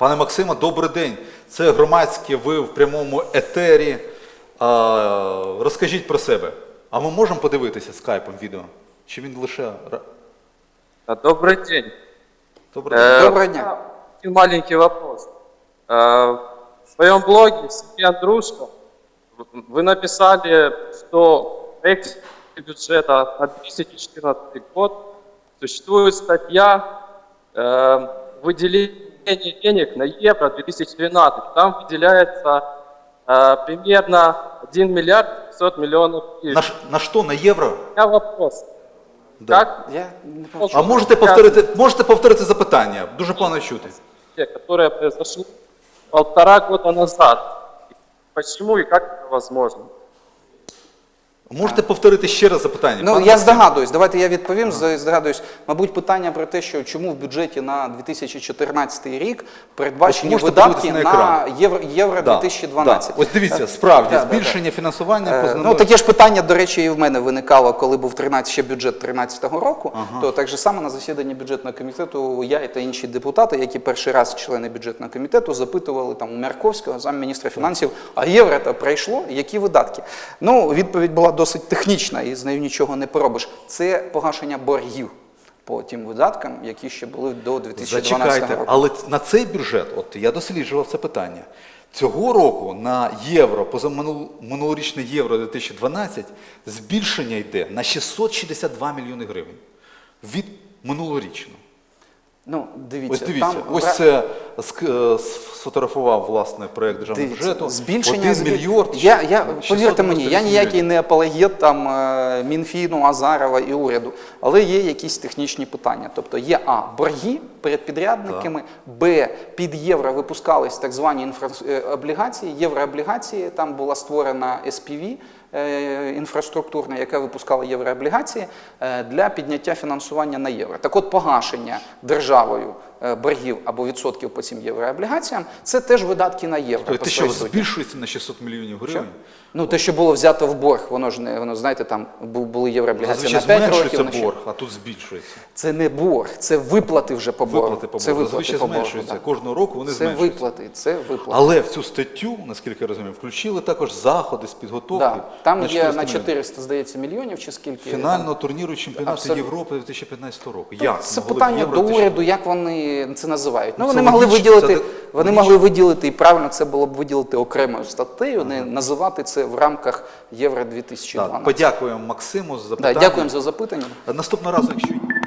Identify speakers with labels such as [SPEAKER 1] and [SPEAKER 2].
[SPEAKER 1] Пане Максиме, добрий день. Це громадське, ви в прямому етері. Розкажіть про себе. А ми можемо подивитися скайпом відео? Чи він лише...
[SPEAKER 2] Добрый день.
[SPEAKER 1] Добрий день.
[SPEAKER 3] Доброго дня.
[SPEAKER 2] Один маленький вопрос. В своем блоге «Семья Дружка» вы написали, что в проекте бюджета на 2014 год существует статья выделения денег на евро 2012. Там выделяется примерно 1 миллиард 500 миллионов евро.
[SPEAKER 1] На що? На євро?
[SPEAKER 2] У меня вопрос.
[SPEAKER 1] Да.
[SPEAKER 2] Как
[SPEAKER 3] Я не почув.
[SPEAKER 1] А можете повторити запитання? Дуже погано чути.
[SPEAKER 2] которое произошло 1,5 года назад. Почему и как это возможно?
[SPEAKER 1] Можете повторити ще раз запитання?
[SPEAKER 3] Ну,
[SPEAKER 1] Пане
[SPEAKER 3] я
[SPEAKER 1] Максиме?
[SPEAKER 3] здогадуюсь, давайте я відповім, здогадуюсь. Мабуть, питання про те, що чому в бюджеті на 2014 рік передбачені
[SPEAKER 1] Можете
[SPEAKER 3] видатки
[SPEAKER 1] подивитися на
[SPEAKER 3] на
[SPEAKER 1] екран.
[SPEAKER 3] Євро
[SPEAKER 1] Да,
[SPEAKER 3] 2012.
[SPEAKER 1] да. Ось дивіться, справді,
[SPEAKER 3] Да,
[SPEAKER 1] збільшення фінансування по
[SPEAKER 3] Ну, таке ж питання, до речі, і в мене виникало, коли був ще бюджет 2013 року, то так же само на засіданні бюджетного комітету я та інші депутати, які перший раз члени бюджетного комітету, запитували там у Мярковського, замміністра фінансів, а євро то пройшло, які видатки? Ну, відповідь була досить технічна, і з нею нічого не поробиш. Це погашення боргів по тим видаткам, які ще були до 2012
[SPEAKER 1] Зачекайте,
[SPEAKER 3] року.
[SPEAKER 1] але на цей бюджет, от я досліджував це питання, цього року на євро, позаминулорічне євро 2012, збільшення йде на 662 мільйони гривень від минулорічного.
[SPEAKER 3] Ну, дивіться,
[SPEAKER 1] Ось дивіться,
[SPEAKER 3] там
[SPEAKER 1] ось це сфотографував, власне, проєкт державного бюджету.
[SPEAKER 3] Збільшення
[SPEAKER 1] 1 мільярд.
[SPEAKER 3] повірте мені, я ніякий не апологет там Мінфіну, Азарова і уряду, але є якісь технічні питання. Тобто є борги перед підрядниками, б, під євро випускались так звані облігації, єврооблігації, там була створена SPV, інфраструктурна, яка випускала єврооблігації для підняття фінансування на євро. Так от погашення державою боргів або відсотків по цим єврооблігаціям – це теж видатки на євро.
[SPEAKER 1] Тобто, те, що збільшується на 600 мільйонів гривень?
[SPEAKER 3] Ну, те, що було взято в борг, воно ж не, воно, знаєте, там були єврооблігації на 5 років.
[SPEAKER 1] Зменшується борг, а тут збільшується.
[SPEAKER 3] Це не борг, це виплати вже по боргу.
[SPEAKER 1] Виплати по
[SPEAKER 3] Це
[SPEAKER 1] боргу.
[SPEAKER 3] виплати
[SPEAKER 1] Зазвичай
[SPEAKER 3] по боргу,
[SPEAKER 1] зменшується.
[SPEAKER 3] да.
[SPEAKER 1] Кожного року вони
[SPEAKER 3] Це
[SPEAKER 1] зменшуються.
[SPEAKER 3] це виплати.
[SPEAKER 1] Але в цю статтю, наскільки я розумію, включили також заходи з підготовки.
[SPEAKER 3] Да. Там є
[SPEAKER 1] 400
[SPEAKER 3] на
[SPEAKER 1] мільйонів.
[SPEAKER 3] 400, здається, мільйонів чи скільки.
[SPEAKER 1] Фінального турніру чемпіонату
[SPEAKER 3] Абсолютно.
[SPEAKER 1] Європи 2015 року. Як
[SPEAKER 3] Це
[SPEAKER 1] могли в
[SPEAKER 3] питання
[SPEAKER 1] Євро
[SPEAKER 3] до
[SPEAKER 1] 2000?
[SPEAKER 3] уряду, як вони це називають. Ну,
[SPEAKER 1] Це
[SPEAKER 3] вони могли
[SPEAKER 1] логічно,
[SPEAKER 3] виділити,
[SPEAKER 1] це
[SPEAKER 3] вони
[SPEAKER 1] логічно.
[SPEAKER 3] могли виділити, і правильно це було б виділити окремою статтею, не називати це в рамках Євро 2012.
[SPEAKER 1] Так, подякуємо Максиму за запитання.
[SPEAKER 3] Да, дякуємо за запитання.
[SPEAKER 1] Наступного разу, якщо